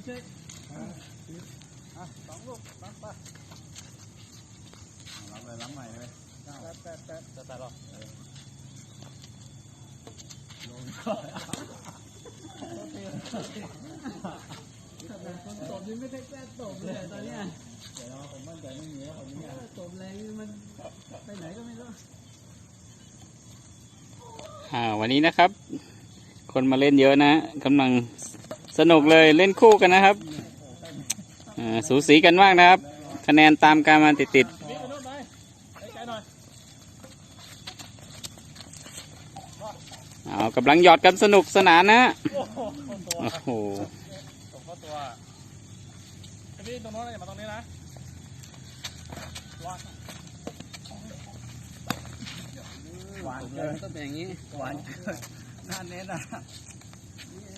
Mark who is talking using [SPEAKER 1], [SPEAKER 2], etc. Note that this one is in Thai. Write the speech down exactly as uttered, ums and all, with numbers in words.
[SPEAKER 1] พี่เชยอ่ะสองลูกรับไปรับเลยรับใหม่เลยแป๊บแป๊บแป๊บจะตัดหรอลงก่อนคนตบนี่ไม่ใช่แค่ตบเลยตอนนี้เดี๋ยวผมมั่นใจไม่มีแล้วคนนี้ตบแรงมันไปไหนก็ไม่รู้
[SPEAKER 2] อ่าวันนี้นะครับคนมาเล่นเยอะนะกำลังสนุกเลยเล่นคู่กันนะครับอ่าสูสีกันมากนะครับคะแนนตามการมาติดติดเอากำลังหยอดกันสนุกสนานนะโอ้โห
[SPEAKER 1] ตบเข้าตัวพี่ตรงโน้นอย่ามาตรงนี้นะหวานเกินต้องเป็นอย่างนี้หวานเกินน่าเน้นอ่ะ